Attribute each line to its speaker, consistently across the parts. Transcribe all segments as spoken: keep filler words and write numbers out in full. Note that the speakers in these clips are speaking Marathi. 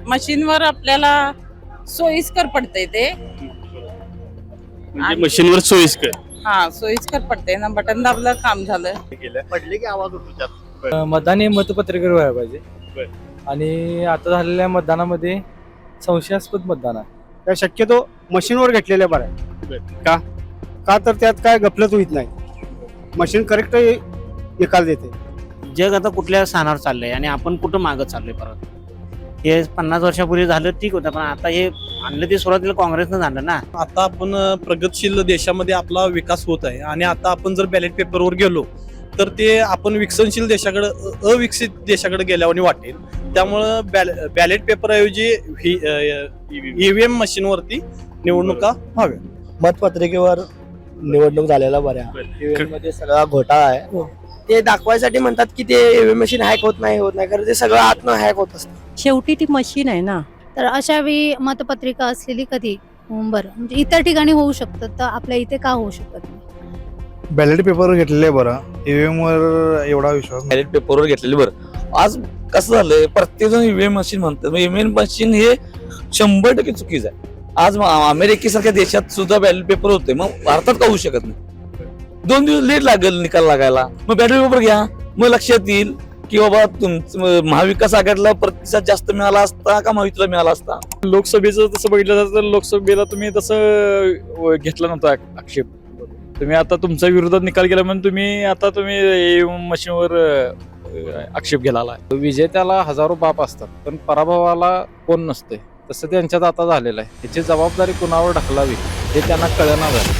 Speaker 1: मशीनवर आपल्याला सोयीस्कर पडतंय ते.
Speaker 2: म्हणजे मशीनवर सोयीस्कर
Speaker 1: हा सोयीस्कर पडतंय ना, बटन दाबलं काम झालं.
Speaker 2: पडले की आवाज उठतो त्यात.
Speaker 3: मतदान हे मतपत्रिकेवर व्हायला पाहिजे
Speaker 2: बर.
Speaker 3: आणि आता झालेल्या मतदानामध्ये संशयास्पद मतदान आहे.
Speaker 4: त्या शक्यतो मशीनवर घेतलेल्या बरं आहे.
Speaker 2: का
Speaker 4: का तर त्यात काय गफलत होत नाही. मशीन करेक्ट निकाल देते.
Speaker 5: जग आता कुठल्या स्थानावर चाललंय आणि आपण कुठं मागं चाललोय परत. हे पन्नास वर्षापूर्वी झालं ठीक होतं, पण आता हे आणलं ते सुरुवातीला काँग्रेसनं झालं ना.
Speaker 6: आता आपण प्रगतशील देशामध्ये आपला विकास होत आहे आणि आता आपण जर बॅलेट पेपरवर गेलो तर ते आपण विकसनशील देशाकडे अविकसित देशाकडे गेल्यावर वाटेल. त्यामुळं बॅलेट पेपर ऐवजी ईव्हीएम मशीनवरती निवडणुका व्हाव्या.
Speaker 7: मतपत्रिकेवर निवडणूक झालेला बऱ्या ईव्हीएम मध्ये सगळा घोटाळा आहे. ते दाखवायसाठी म्हणतात की ते ईव्हीएम मशीन हॅक होत नाही होत नाही कारण ते सगळं आतनं हॅक होत असतं.
Speaker 8: शेवटी ती मशीन आहे ना.
Speaker 9: तर अशा वेळी मतपत्रिका असलेली कधी बरं म्हणजे इतर ठिकाणी होऊ शकतं, तर आपल्या इथे का होऊ शकत नाही?
Speaker 10: बॅलेट पेपरवर घेतलेले बरं, ईव्हीएम वर एवढा विश्वास.
Speaker 11: बॅलेट पेपरवर घेतलेले बरं. आज कसं झालंय, प्रत्येक जण ईव्हीएम मशीन म्हणतात. ईव्हीएम मशीन हे शंभर टक्के चुकीचं आहे. आज अमेरिकेसारख्या देशात सुद्धा बॅलेट पेपर होते, मग भारतात का होऊ शकत नाही? दोन दिवस लेट लागेल निकाल लागायला. मग बॅलेट पेपर घ्या, मग लक्षात येईल की बाबा तुमचं महाविकास आघाडीला प्रतिसाद जास्त मिळाला असता का महायुतीला मिळाला असता.
Speaker 3: लोकसभेचं तसं बघितलं जातं तर लोकसभेला तुम्ही तसं घेतला नव्हता आक्षेप. तुम्ही आता तुमच्या विरोधात निकाल केला म्हणून तुम्ही आता तुम्ही मशीनवर आक्षेप घ्यायला. विजेत्याला हजारो बाप असतात पण पराभवाला कोण नसते, तसं त्यांच्यात आता झालेलं आहे. याची जबाबदारी कुणावर ढकलावी हे त्यांना कळना झालं.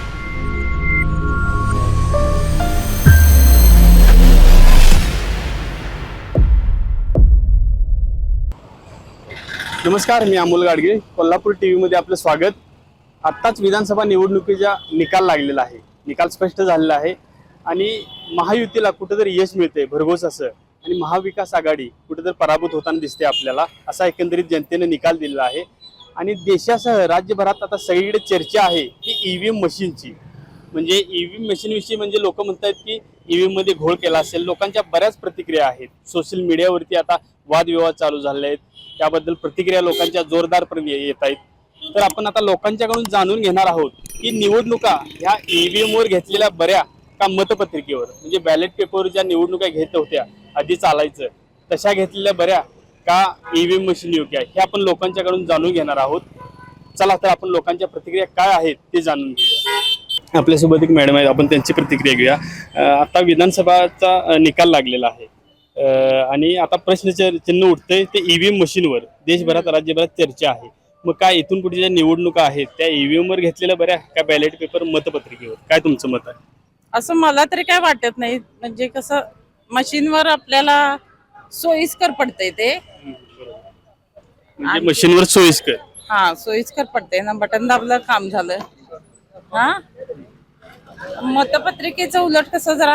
Speaker 2: नमस्कार, मी अमोल गाडगे, कोल्हापूर टीव्ही मध्ये आपलं स्वागत. आत्ताच विधानसभा निवडणुकीचा निकाल लागलेला आहे. निकाल स्पष्ट झालेला आहे आणि महायुतीला कुठेतरी यश मिळते भरघोस असं, आणि महाविकास आघाडी कुठेतरी पराभूत होताना दिसते आपल्याला, असा एकंदरीत जनतेने निकाल दिलेला आहे. आणि देशासह राज्यभरात आता सगळीकडे चर्चा आहे की ईव्हीएम मशीनची. म्हणजे ईव्हीएम मशीनविषयी म्हणजे लोक म्हणतात की ईव्हीएम मध्ये घोळ केला असेल. लोकांच्या बऱ्याच प्रतिक्रिया आहेत. सोशल मीडियावरती आता वादविवाद चालू झाले आहेत, त्याबद्दल प्रतिक्रिया लोकांच्या जोरदारपणे येत आहेत. तर आपण आता लोकांच्याकडून जाणून घेणार आहोत की निवडणुका ह्या ईव्हीएम वर घेतलेल्या बऱ्या का मतपत्रिकेवर, म्हणजे बॅलेट पेपरवर ज्या निवडणुका घेत होत्या आधी चालायचं तशा घेतलेल्या बऱ्या का ईव्हीएम मशीन योग्य आहे, हे आपण लोकांच्याकडून जाणून घेणार आहोत. चला तर आपण लोकांच्या प्रतिक्रिया काय आहेत ते जाणून घेऊया. आपल्यासोबत एक मॅडम आहेत, आपण त्यांची प्रतिक्रिया घेऊया. आता विधानसभाचा निकाल लागलेला आहे आणि आता प्रश्न चिन्ह उठतंय ते ईव्हीएम मशीनवर. देशभरात राज्यभरात चर्चा आहे. मग काय इथून पुढे ज्या निवडणुका आहेत त्या ईव्हीएम वर घेतलेल्या बऱ्या का बॅलेट पेपर मतपत्रिकेवर, काय तुमचं मत आहे?
Speaker 1: असं मला तरी काय वाटत नाही. म्हणजे कसं मशीनवर आपल्याला सोयीस्कर पडतंय ते.
Speaker 2: म्हणजे मशीनवर सोयीस्कर
Speaker 1: हा सोयीस्कर पडतंय ना, बटन दाबलं काम झालं. हा मतपत्रिकेचं उलट कसं जरा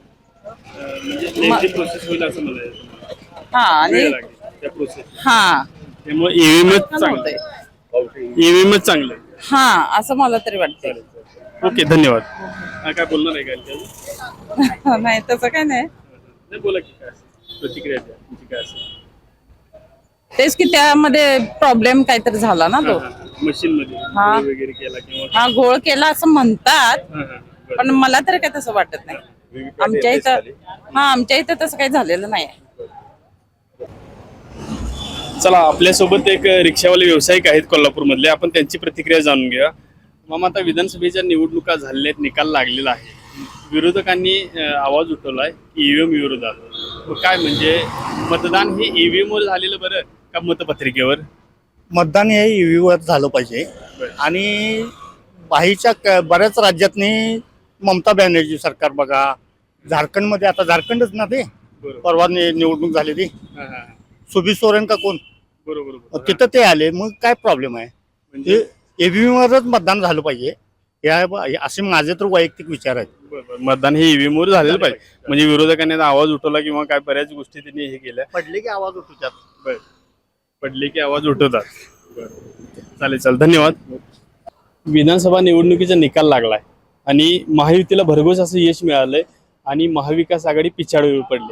Speaker 2: प्रोसेस होईल असं मला
Speaker 1: हा आणि हा
Speaker 2: त्यामुळे ईव्हीएमच चांगलं आहे. ईव्हीएमच चांगलं आहे.
Speaker 1: हा असं मला तरी वाटतंय.
Speaker 2: ओके, धन्यवाद. काय बोलणार आहे का?
Speaker 1: नाही तसं काय नाही.
Speaker 2: बोला की काय प्रतिक्रिया द्या तुमची काय असेल.
Speaker 1: तेच की त्यामध्ये प्रॉब्लेम काहीतरी झाला ना तो
Speaker 2: मशीन मध्ये
Speaker 1: हा.
Speaker 2: वगैरे केला किंवा
Speaker 1: हा घोळ केला असं म्हणतात,
Speaker 2: हा, हा, बरं.
Speaker 1: पण मला तरी काही तसं वाटत नाही. आमच्या इथं हा आमच्या इथं तसं काही झालेलं नाही.
Speaker 2: चला, आपल्यासोबत एक रिक्षावाले व्यावसायिक आहेत कोल्हापूर मधले, आपण त्यांची प्रतिक्रिया जाणून घ्या. मामा, आता विधानसभेच्या निवडणुका झालेल्या आहेत, निकाल लागलेला आहे. विरोधकांनी आवाज उठवलाय ईव्हीएम विरोधात. काय म्हणजे मतदान हे ईव्हीएम वर झालेलं बरं का मतपत्रिकेवर?
Speaker 4: मतदान हे ईव्हीएम वर झालं पाहिजे. आणि बाहेरच्या बऱ्याच राज्यातनी ममता बॅनर्जी सरकार बघा, झारखंडमध्ये आता झारखंडच ना ते परवा निवडणूक झाली ती सुबी सोरेन का कोण,
Speaker 2: बरोबर,
Speaker 4: तिथं ते आले. मग काय प्रॉब्लेम आहे? म्हणजे ईव्हीएम वरच मतदान झालं पाहिजे, या असे माझे तर वैयक्तिक विचार आहेत.
Speaker 2: मतदान हे ईव्हीएम वर झालेलं पाहिजे. म्हणजे विरोधकांनी आवाज उठवला किंवा काय बऱ्याच गोष्टी त्यांनी हे केल्या.
Speaker 4: पडले की आवाज उठवतात.
Speaker 2: पडले की आवाज उठवतात. चालेल चालेल, धन्यवाद. विधानसभा निवडणुकीचा निकाल लागलाय आणि महायुतीला भरघोस असं यश मिळालंय आणि महाविकास आघाडी पिछाडीवर पडले.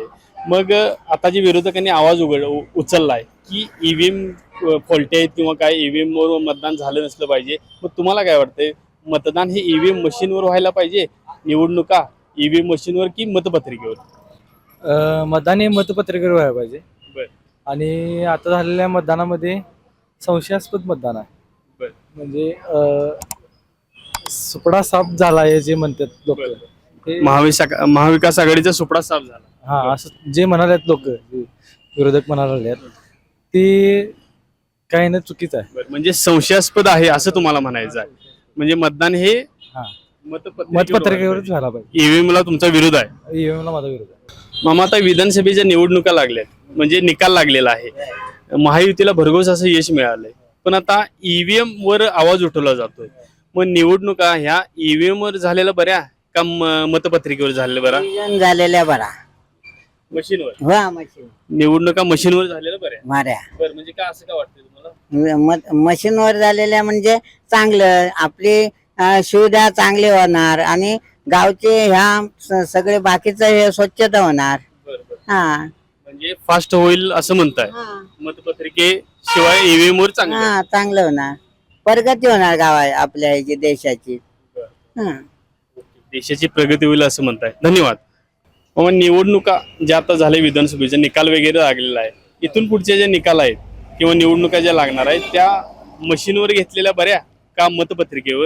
Speaker 2: मग अं, आता जे विरोधकांनी आवाज उघड उ- उचललाय की ईव्हीएम फॉल्टी आहेत किंवा काय ईव्हीएम वर मतदान झालं नसलं पाहिजे, मग तुम्हाला काय वाटतंय मतदान हे ईव्हीएम मशीनवर व्हायला पाहिजे, निवडणुका ईव्हीएम मशीनवर की मतपत्रिकेवर?
Speaker 12: अ, मतदान हे मतपत्रिकेवर व्हायला पाहिजे.
Speaker 2: बर.
Speaker 12: आणि आता झालेल्या मतदानामध्ये संशयास्पद मतदान आहे.
Speaker 2: बर.
Speaker 12: म्हणजे अ, सुपडा साफ झाला आहे जे म्हणतात लोक.
Speaker 2: महाविकास महाविकास आघाडीचा सुपडा साफ झाला.
Speaker 12: हा असं जे म्हणालेत लोक, विरोधक म्हणाले ते काही ना चुकीचं आहे.
Speaker 2: बरं, म्हणजे संशयास्पद आहे असं तुम्हाला म्हणायचं आहे. म्हणजे मतदान हे
Speaker 12: हा.
Speaker 2: मतपत्रिकेवर
Speaker 12: मतपत्रिकेवरच झाला पाहिजे.
Speaker 2: ईव्हीएम ला तुमचा विरोध आहे.
Speaker 12: ईव्हीएमला माझा विरोध आहे.
Speaker 2: मामा, आता विधानसभेच्या निवडणुका लागल्यात, म्हणजे निकाल लागलेला आहे. महायुतीला भरघोस असं यश मिळालंय, पण आता ईव्हीएम वर आवाज उठवला जातोय. मग निवडणुका ह्या ईव्हीएम वर झालेल्या बऱ्या का म- मतपत्रिकेवर झालेल्या बऱ्या?
Speaker 7: झालेल्या बरा
Speaker 2: मशीनवर.
Speaker 7: वा मशीन
Speaker 2: निवडणुका मशीनवर झालेल्या बऱ्या.
Speaker 7: माऱ्या
Speaker 2: बरं, म्हणजे का असं का वाटतंय तुम्हाला?
Speaker 7: मशीनवर झालेल्या म्हणजे चांगलं, आपली अं, सुविधा चांगली होणार आणि गावचे ह्या स- सगळे बाकीचं हे स्वच्छता होणार.
Speaker 2: बरं बरं,
Speaker 7: हा
Speaker 2: म्हणजे फास्ट होईल असं म्हणताय. मतपत्रिके शिवाय ईव्हीएम वर चांगलं आहे.
Speaker 7: हा चांगलं होणार, प्रगती होणार गावा आपल्या ह्याची देशाची. हा
Speaker 2: देशाची प्रगती होईल असं म्हणताय. धन्यवाद. मग निवडणुका ज्या आता झाल्या, विधानसभेचा निकाल वगैरे लागलेला आहे, इथून पुढचे जे निकाल आहेत किंवा निवडणुका ज्या लागणार आहेत त्या मशीनवर घेतलेल्या बऱ्या का मतपत्रिकेवर?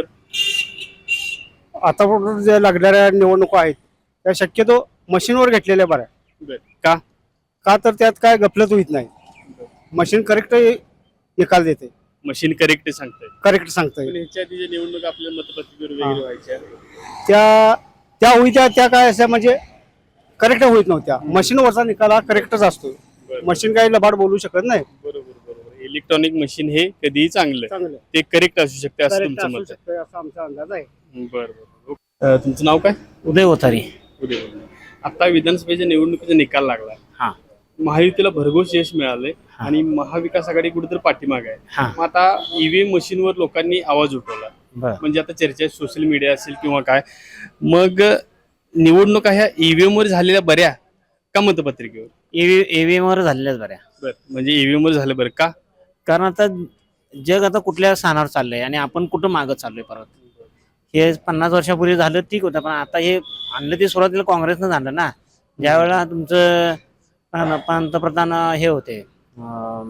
Speaker 4: आता जे लागणाऱ्या निवडणुका आहेत त्या शक्यतो मशीनवर घेतलेल्या बऱ्या.
Speaker 2: बरं. का?
Speaker 4: का तर त्यात काय गफलत होत नाही. मशीन करेक्ट निकाल देते,
Speaker 2: मशीन करेक्ट सांगताय.
Speaker 4: करेक्ट सांगता
Speaker 2: पण ह्याच्या आधी ज्या निवडणुका आपल्या मतपत्रिकेवर वगैरे व्हायच्या,
Speaker 4: त्या त्या होईत्या त्या काय अशा म्हणजे करेक्ट होत नव्हत्या. मशीनवरचा निकाल हा करेक्टच असतो.
Speaker 2: बरं.
Speaker 4: मशीन काही लबाड बोलू शकत नाही.
Speaker 2: बरोबर बरोबर. इलेक्ट्रॉनिक मशीन हे कधीही चांगलं,
Speaker 4: चांगलं
Speaker 2: ते करेक्ट असू शकते असं
Speaker 4: करेक्ट
Speaker 2: तुमचं
Speaker 4: असू
Speaker 2: मत आहे.
Speaker 4: शकतं असा आमचा अंदाज आहे.
Speaker 2: बरं बरं. अं, तुमचं नाव काय?
Speaker 5: उदय होतारी.
Speaker 2: उदय. आता विधानसभेच्या निवडणुकीचा निकाल लागला.
Speaker 5: हा.
Speaker 2: महायुतीला भरघोस यश मिळालंय
Speaker 5: हा.
Speaker 2: आणि महाविकास आघाडी कुठेतरी पाठीमागे आहे.
Speaker 5: हा.
Speaker 2: मग आता ईव्हीएम मशीनवर लोकांनी आवाज उठवला,
Speaker 5: बर.
Speaker 2: म्हणजे आता चर्चा सोशल मीडिया असेल किंवा काय, मग निवडणुका ह्या ईव्हीएम वर झालेल्या बऱ्या का मतपत्रिकेवर?
Speaker 5: ईव्हीएम वर झालेल्याच बऱ्या.
Speaker 2: बरं, म्हणजे ईव्हीएम वर झालं बरं का?
Speaker 5: कारण आता जग आता कुठल्या स्थानावर चाललंय आणि आपण कुठं मागं चाललोय परत. हे पन्नास वर्षापूर्वी झालं ठीक होतं, पण आता हे आणलं ते सुरुवातीला काँग्रेसनं झालं ना. ज्या वेळेला तुमचं पं- पंतप्रधान हे होते अं,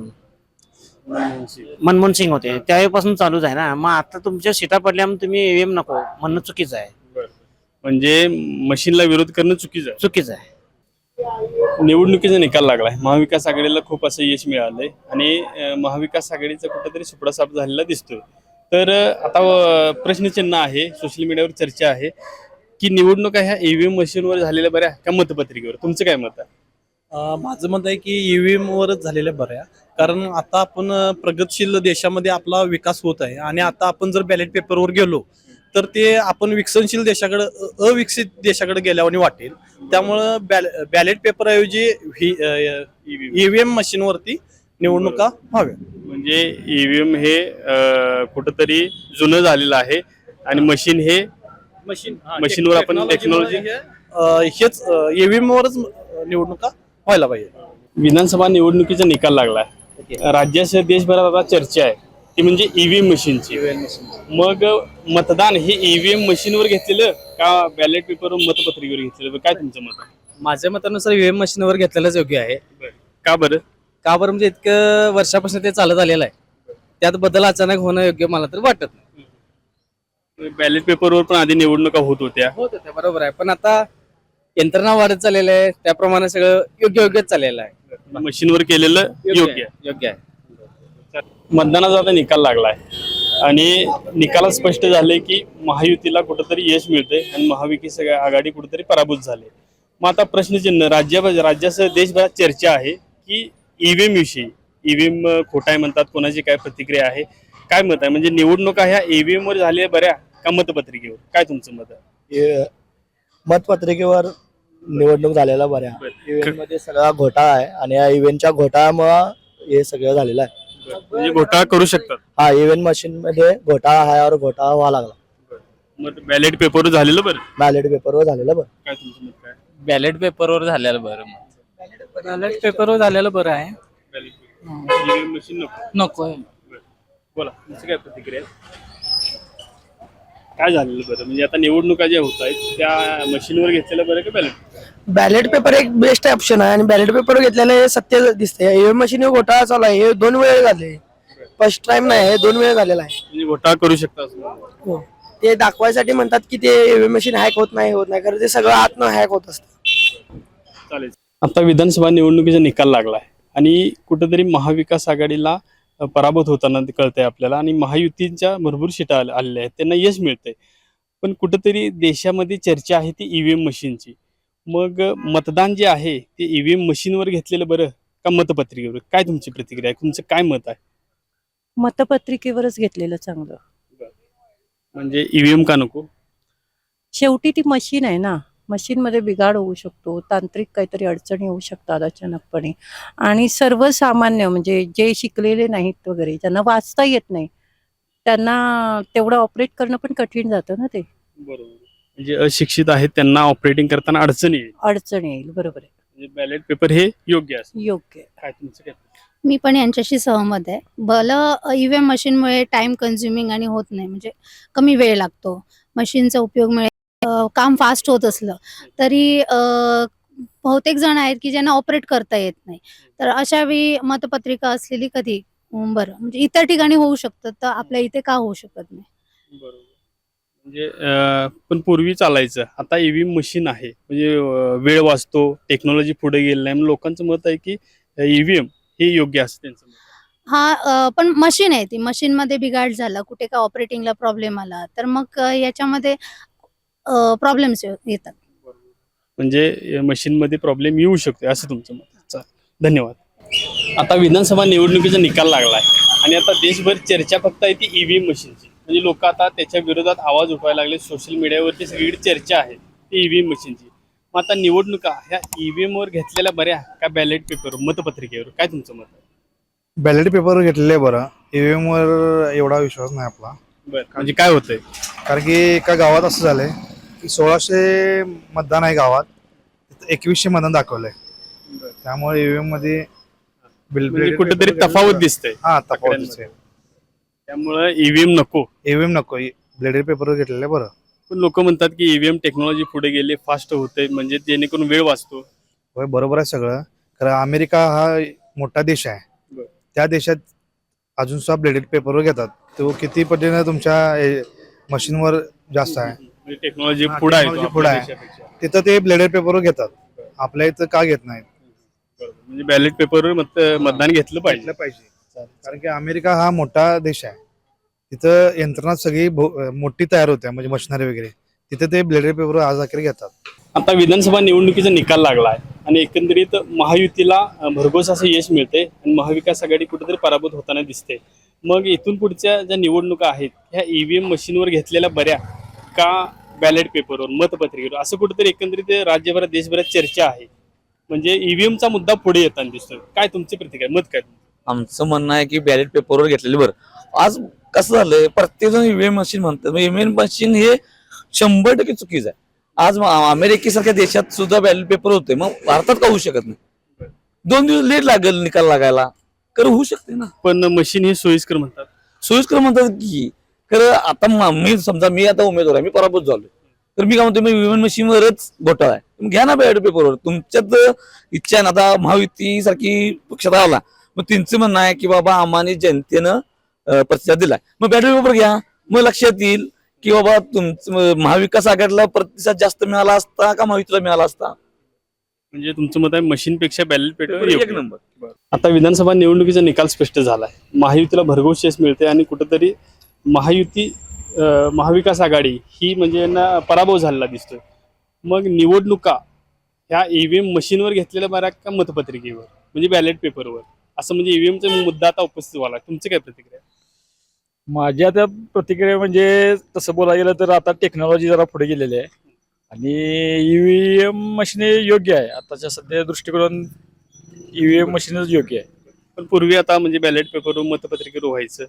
Speaker 5: मनमोहन सिंग होते, त्यावेळेपासून चालूच आहे ना. मग आता तुमच्या सीटा पडल्यामुळे तुम्ही ईव्हीएम नको म्हणणं चुकीचं आहे.
Speaker 2: म्हणजे मशीनला विरोध करणं चुकीचं आहे.
Speaker 5: चुकीचं आहे.
Speaker 2: निवडणुकीचा निकाल लागलाय, महाविकास आघाडीला खूप असं यश मिळालंय आणि अं, महाविकास आघाडीचा कुठेतरी सुपडा साफ झालेला दिसतोय. तर अं, आता अं, प्रश्नचिन्ह आहे, सोशल मीडियावर चर्चा आहे की निवडणुका ह्या ईव्हीएम मशीनवर झालेल्या बऱ्या का मतपत्रिकेवर? तुमचं काय मत आहे?
Speaker 6: अं, माझं मत आहे की ईव्हीएम वरच झालेल्या बऱ्या. कारण आता आपण अं, प्रगतशील देशामध्ये आपला विकास होत आहे आणि आता आपण जर बॅलेट पेपरवर गेलो तर ते आपण विकसनशील देशाकडे अ- अविकसित देशाकडे गेल्यावर वाटेल. त्यामुळं बॅल बॅलेट पेपर ऐवजी ईव्हीएम मशीनवरती निवडणुका व्हाव्या.
Speaker 2: म्हणजे ईव्हीएम हे अं, कुठंतरी जुनं झालेलं आहे आणि मशीन हे
Speaker 6: मशीन
Speaker 2: मशीनवर आपण टेक्नॉलॉजी
Speaker 6: हेच ईव्हीएम वरच निवडणुका व्हायला पाहिजे.
Speaker 2: विधानसभा निवडणुकीचा निकाल लागलाय, राज्यासह देशभरात आता चर्चा आहे ती म्हणजे ईव्हीएम मशीनची. मग मतदान हे ईव्हीएम मशीनवर घेतलेलं का बॅलेट पेपरवर मतपत्रिकेवर घेतलेलं, काय तुमचं मत आहे?
Speaker 12: माझ्या मतानुसार ईव्हीएम मशीनवर घेतलेलंच योग्य आहे.
Speaker 2: का बरं?
Speaker 12: का बरं म्हणजे इतकं वर्षापासून ते चालत आलेलं आहे, त्यात बदल अचानक होणं योग्य मला तर वाटत नाही.
Speaker 2: बॅलेट पेपरवर पण आधी निवडणुका होत होत्या.
Speaker 12: होत ते बरोबर आहे, पण आता यंत्रणा वाढत चाललेलं आहे, त्याप्रमाणे सगळं योग्य योग्यच चाललेलं आहे.
Speaker 2: मशीनवर केलेलं योग्य आहे.
Speaker 12: योग्य आहे.
Speaker 2: मतदानाचा आता निकाल लागलाय आणि निकालात स्पष्ट झाले की महायुतीला कुठंतरी यश मिळतंय आणि महाविकास आघाडी कुठेतरी पराभूत झाले. मग आता प्रश्नचिन्ह राज्या राज्यासह देशभरात चर्चा आहे की ईव्हीएम विषयी, ईव्हीएम खोटाय म्हणतात, कोणाची काय प्रतिक्रिया आहे, काय मत आहे? म्हणजे निवडणुका ह्या ईव्हीएम वर झाल्या बऱ्या का मतपत्रिकेवर, काय तुमचं मत आहे?
Speaker 7: मतपत्रिकेवर निवडणूक झालेला बऱ्या. इव्हेंट मध्ये सगळा घोटाळा आहे आणि या इव्हेंटच्या घोटाळ्यामुळं हे सगळं झालेलं आहे.
Speaker 2: म्हणजे घोटाळा करू शकतात.
Speaker 7: हा इव्हेंट मशीन मध्ये घोटाळा आहे और घोटाळा व्हावा लागला.
Speaker 2: मग बॅलेट पेपरवर झालेलं बरं,
Speaker 7: बॅलेट पेपरवर झालेलं बरं.
Speaker 2: काय तुमचं मत काय?
Speaker 12: बॅलेट पेपरवर झालेलं बरं. बॅलेट पेपरवर झालेलं बरं आहे.
Speaker 2: ईव्हीएम मशीन नको.
Speaker 12: नको
Speaker 2: बोला तुमची काय प्रतिक्रिया आहे? काय झालेलं बरं म्हणजे आता निवडणुका ज्या होत आहेत त्या मशीनवर घेतलेलं बरं का बॅलेट?
Speaker 7: बॅलेट पेपर एक बेस्ट ऑप्शन आहे आणि बॅलेट पेपर घेतल्याने हे सत्य दिसते. ईव्हीएम मशीन घोटाळा चालू आहे. हे दोन वेळ झाले, फर्स्ट टाइम नाही, हे दोन वेळ झालेला आहे.
Speaker 2: म्हणजे घोटाळा करू शकता असं मला.
Speaker 7: हो, ते दाखवायसाठी म्हणतात की ते ईव्हीएम मशीन हॅक होत नाही होत नाही कारण ते सगळं आतनं हॅक होत असतं.
Speaker 2: चालेल. आता विधानसभा निवडणुकीचा निकाल लागलाय आणि कुठेतरी महाविकास आघाडीला अ, पराभूत होताना ते कळतंय आपल्याला आणि महायुतीच्या भरपूर सीटा आल- आलेल्या आहेत, त्यांना यश मिळतंय. पण कुठेतरी देशामध्ये चर्चा आहे ती ईव्हीएम मशीनची. मग अ, मतदान जे आहे ते ईव्हीएम मशीनवर घेतलेलं बरं का मतपत्रिकेवर? काय तुमची प्रतिक्रिया आहे? तुमचं काय मत आहे?
Speaker 8: मतपत्रिकेवरच घेतलेलं चांगलं.
Speaker 2: म्हणजे ईव्हीएम का नको?
Speaker 8: शेवटी ती मशीन आहे ना, मशीनमध्ये बिघाड होऊ शकतो, तांत्रिक काहीतरी अडचणी येऊ शकतात अचानकपणे. आणि सर्वसामान्य म्हणजे जे शिकलेले नाहीत वगैरे, ज्यांना वाचता येत नाही, त्यांना तेवढं ऑपरेट करणं पण कठीण जातं ना. ते
Speaker 2: बरोबर. म्हणजे अशिक्षित आहेत त्यांना ऑपरेटिंग करताना अडचणी येईल.
Speaker 8: अडचण येईल. बरोबर आहे.
Speaker 2: म्हणजे बॅलेट पेपर हे योग्य असतं.
Speaker 8: योग्य आहे.
Speaker 2: काय तुमचं काय?
Speaker 9: मी पण यांच्याशी सहमत आहे. भलं ईव्हीएम मशीनमुळे टाइम कन्झ्युमिंग आणि होत नाही, म्हणजे कमी वेळ लागतो. मशीनचा उपयोगमुळे अ, काम फास्ट होत असलं तरी अ, बहुतेक जण आहेत की ज्यांना ऑपरेट करता येत नाही. तर अशा वेळी मतपत्रिका असलेली कधी अं, बरं, म्हणजे इतर ठिकाणी होऊ शकतं, तर आपल्या इथे का होऊ शकत नाही?
Speaker 2: बरोबर. म्हणजे अ, पण पूर्वी चालायचं, आता ईव्हीएम मशीन आहे म्हणजे अ, वेळ वाचतो, टेक्नॉलॉजी पुढे गेली नाही. मग लोकांचं मत आहे की ईव्हीएम हे योग्य असतं त्यांचं मत.
Speaker 9: हा अ, पण मशीन आहे, ती मशीनमध्ये बिघाड झाला, कुठे का ऑपरेटिंगला प्रॉब्लेम आला तर मग अ, याच्यामध्ये प्रॉब्लेम्स येतात.
Speaker 2: म्हणजे मशीनमध्ये प्रॉब्लेम येऊ शकतो असं तुमचं मत आहे. चालेल. धन्यवाद. आता विधानसभा निवडणुकीचा निकाल लागलाय आणि आता देशभर चर्चा फक्त आहे ती ईव्हीएम मशीनची. म्हणजे लोक आता त्याच्या विरोधात आवाज उठवायला लागले. सोशल मीडियावरती सगळीकडे चर्चा आहे ती ईव्हीएम मशीनची. मग आता निवडणुका ह्या ईव्हीएम वर घेतलेल्या बऱ्या का बॅलेट पेपर मतपत्रिकेवर? काय तुमचं मत आहे?
Speaker 10: बॅलेट पेपर घेतलेले बरं. ईव्हीएम वर एवढा विश्वास नाही आपला.
Speaker 2: बरं. म्हणजे काय होतंय?
Speaker 10: कारण की एका गावात असं झालंय की सोळाशे मतदान आहे गावात, तिथं एकवीसशे मतदान दाखवलंय. त्यामुळे ईव्हीएम मध्ये बिल-
Speaker 2: म्हणजे
Speaker 10: ballot
Speaker 2: कुठेतरी
Speaker 10: paper
Speaker 2: तफावत
Speaker 10: घेतलेलं-
Speaker 2: दिसते.
Speaker 10: हा तफावत दिसते.
Speaker 2: त्यामुळे ईव्हीएम नको.
Speaker 10: ईव्हीएम नको, ब्लेडेड पेपर घेतलेलं बरं.
Speaker 2: पण लोक म्हणतात की ईव्हीएम टेक्नॉलॉजी पुढे गेले, फास्ट होते, म्हणजे जेणेकरून वेळ वाचतो.
Speaker 10: होय, बरोबर आहे सगळं. कारण अमेरिका हा मोठा देश आहे.
Speaker 2: बरं.
Speaker 10: त्या देशात अजून सुद्धा ब्लेडेड पेपरवर घेतात. तो किती पटीने तुमच्या मशीनवर जास्त आहे.
Speaker 2: म्हणजे टेक्नॉलॉजी
Speaker 10: हा,
Speaker 2: पुढे आहे
Speaker 10: technology
Speaker 2: तो
Speaker 10: पुढे
Speaker 2: आपल्या
Speaker 10: आहे.
Speaker 2: देशापेक्षा.
Speaker 10: तिथं ते ब्लेडेड पेपरवर घेतात, आपल्या इथं का घेत नाहीत?
Speaker 2: बरोबर. म्हणजे बॅलेट पेपरवर मत मतदान घेतलं पाहिजे.
Speaker 10: घेतलं पाहिजे. कारण की अमेरिका हा मोठा देश आहे. तिथं यंत्रणा सगळी भो- मोठी तयार होते, म्हणजे मशिनरी वगैरे. तिथे ते ब्लेडेड पेपर आज अखेर घेतात.
Speaker 2: आता विधानसभा निवडणुकीचा निकाल लागला आहे आणि एकंदरीत महायुतीला अ, भरघोस असं यश मिळते आणि महाविकास आघाडी कुठेतरी पराभूत होताना दिसते. मग इथून पुढच्या ज्या निवडणुका आहेत ह्या ईव्हीएम मशीनवर घेतलेल्या बऱ्या का बॅलेट पेपरवर मतपत्रिकेवर? असं कुठेतरी एकंदरीत राज्यभरात देशभरात चर्चा आहे. म्हणजे ईव्हीएमचा मुद्दा पुढे येताना दिसतोय. काय तुमची प्रतिक्रिया, मत काय?
Speaker 11: आमचं म्हणणं आहे की बॅलेट पेपरवर घेतलेलं बरं. आज कसं झालंय, प्रत्येक जण ईव्हीएम मशीन म्हणतात. ईव्हीएम मशीन हे शंभर टक्के चुकीचं आहे. आज अमेरिकेसारख्या देशात सुद्धा बॅलेट पेपर होते, मग भारतात का होऊ शकत नाही? दोन दिवस लेट लागेल निकाल लागायला, खरं होऊ शकते ना.
Speaker 2: पण मशीन हे सोयीस्कर म्हणतात.
Speaker 11: सोयीस्कर म्हणतात की खरं आता म- मी समजा मी आता उमेदवार आहे, मी पराभूत झालोय, तर मी काय म्हणतो, मी विमान मशीनवरच घोटाळा आहे, तुम्ही घ्या ना बॅलेट पेपरवर. तुमच्यात इच्छा आहे ना. आता महायुती सारखी पक्षात आला, मग त्यांचं म्हणणं आहे की बाबा आम्हाला जनतेनं अं, प्रतिसाद दिलाय, मग बॅलेट पेपर घ्या. मग लक्षात येईल की बाबा तुमचं महाविकास आघाडीला प्रतिसाद जास्त मिळाला असता का महायुतीला मिळाला असता.
Speaker 2: म्हणजे तुमचं मत आहे मशीनपेक्षा बॅलेट पेपर
Speaker 11: एक
Speaker 2: योग्य.
Speaker 11: नंबर.
Speaker 2: आता विधानसभा निवडणुकीचा निकाल स्पष्ट झालाय. महायुतीला भरघोस यश मिळते आणि कुठेतरी महायुती अं, महाविकास आघाडी ही म्हणजे यांना पराभव झालेला दिसतोय. मग निवडणुका ह्या ईव्हीएम मशीनवर घेतलेल्या बऱ्या का मतपत्रिकेवर म्हणजे बॅलेट पेपरवर? असं म्हणजे ईव्हीएमचा मुद्दा आता उपस्थित झाला. तुमची काय प्रतिक्रिया?
Speaker 3: माझ्या त्या प्रतिक्रिया म्हणजे तसं बोलायला गेलं तर आता टेक्नॉलॉजी जरा पुढे गेलेली आहे आणि ईव्हीएम मशीन योग्य आहे. आताच्या सध्या दृष्टिकोन ईव्हीएम मशीनच योग्य आहे.
Speaker 2: पण पूर्वी आता म्हणजे बॅलेट पेपरवर मतपत्रिकेवर व्हायचं.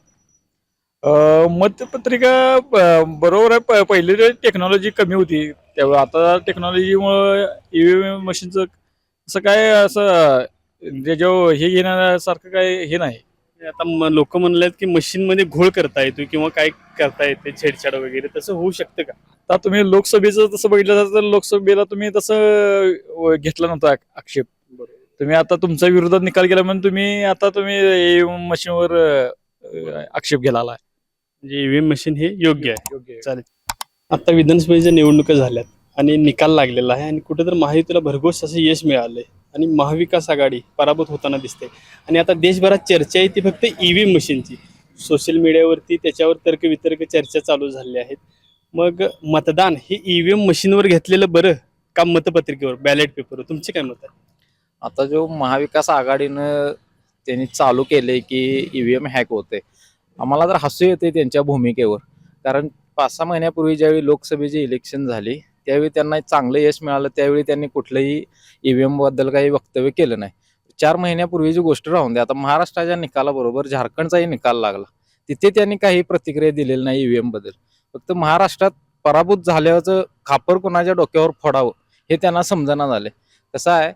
Speaker 3: अं, मतपत्रिका ब- बरोबर आहे. प- पहिले टेक्नॉलॉजी कमी होती, त्यावेळी आता टेक्नॉलॉजीमुळे ईव्हीएम मशीनचं असं काय असं जे जो हे घेण्यासारखं काय हे नाही.
Speaker 2: आता लोक म्हणलेत की मशीन मध्ये घोळ करता येतो किंवा काय करता येते छेडछाड वगैरे, तसं होऊ शकतं का?
Speaker 3: आता तुम्ही लोकसभेचं तसं बघितलं तर लोकसभेला तुम्ही तसं अं, घेतला नव्हता आक- आक्षेप. तुम्ही आता तुमच्या विरोधात निकाल केला म्हणून तुम्ही आता तुम्ही ईव्हीएम मशीनवर अं, आक्षेप घ्यायला आलाय.
Speaker 2: म्हणजे ईव्हीएम मशीन हे योग्य आहे.
Speaker 3: योग्य आहे.
Speaker 2: चालेल. आता विधानसभेच्या निवडणुका झाल्यात आणि निकाल लागलेला आहे आणि कुठेतरी महायुतीला भरघोस असं यश मिळालंय आणि महाविकास आघाडी पराभूत होताना दिसते. आणि आता देशभरात चर्चा आहे ती फक्त ईव्हीएम मशीनची. सोशल मीडियावरती त्याच्यावर तर्कवितर्क चर्चा चालू झाल्या आहेत. मग मतदान हे ईव्हीएम मशीनवर घेतलेलं बरं का मतपत्रिकेवर, बॅलेट पेपरवर? तुमचे काय मत आहे?
Speaker 13: आता जो महाविकास आघाडीनं त्यांनी चालू केले की ईव्हीएम हॅक होते, आम्हाला तर हसू येते त्यांच्या भूमिकेवर. कारण पाच सहा महिन्यापूर्वी ज्यावेळी लोकसभेची इलेक्शन झाली त्यावेळी त्यांना चांगलं यश मिळालं, त्यावेळी त्यांनी कुठलंही ईव्हीएम बद्दल काही वक्तव्य केलं नाही. चार महिन्यापूर्वीची गोष्ट राहून द्या, आता महाराष्ट्राच्या निकालाबरोबर झारखंडचाही निकाल लागला, तिथे त्यांनी काही प्रतिक्रिया दिलेली नाही ईव्हीएम बद्दल. फक्त महाराष्ट्रात पराभूत झाल्याचं खापर कोणाच्या डोक्यावर फोडावं हे त्यांना समजना झाले. कसं आहे,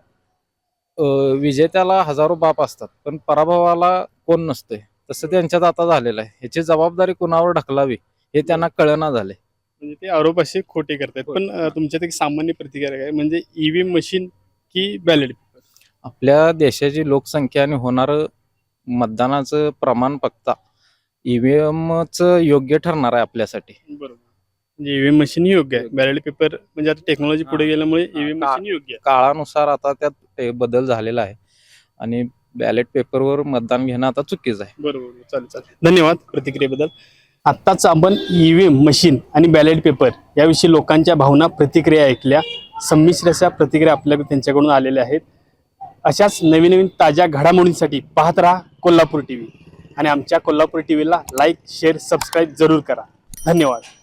Speaker 13: अं, विजेत्याला हजारो बाप असतात पण पराभवाला कोण नसतंय, तसं त्यांच्यात आता झालेलं आहे. ह्याची जबाबदारी कुणावर ढकलावी हे त्यांना कळना झाले.
Speaker 2: म्हणजे ते आरोप असे खोटे करतात. पण अं, तुमच्यात एक सामान्य प्रतिक्रिया काय म्हणजे ईव्हीएम मशीन की बॅलेट पेपर?
Speaker 13: आपल्या देशाची लोकसंख्या आणि होणारं मतदानाचं प्रमाण बघता ईव्हीएमच योग्य ठरणार आहे आपल्यासाठी.
Speaker 2: बरोबर. म्हणजे ईव्हीएम मशीन ही योग्य आहे, बॅलेट पेपर म्हणजे आता टेक्नॉलॉजी पुढे गेल्यामुळे ईव्हीएम
Speaker 13: का-
Speaker 2: मशीन योग्य आहे.
Speaker 13: काळानुसार आता त्यात ते बदल झालेला आहे आणि बॅलेट पेपरवर मतदान घेणं आता चुकीचं आहे.
Speaker 2: बरोबर. चालेल चालेल. धन्यवाद प्रतिक्रियेबद्दल. आत्ताच आपण ईव्हीएम मशीन आणि बॅलेट पेपर याविषयी लोकांच्या भावना प्रतिक्रिया ऐकल्या. संमिश्र अशा प्रतिक्रिया आपल्याकडे त्यांच्याकडून आलेल्या आहेत. अशाच नवीन नवीन ताज्या घडामोडींसाठी पाहत राहा कोल्हापूर टीव्ही आणि आमच्या कोल्हापूर टीव्हीला लाईक शेअर सबस्क्राईब जरूर करा. धन्यवाद.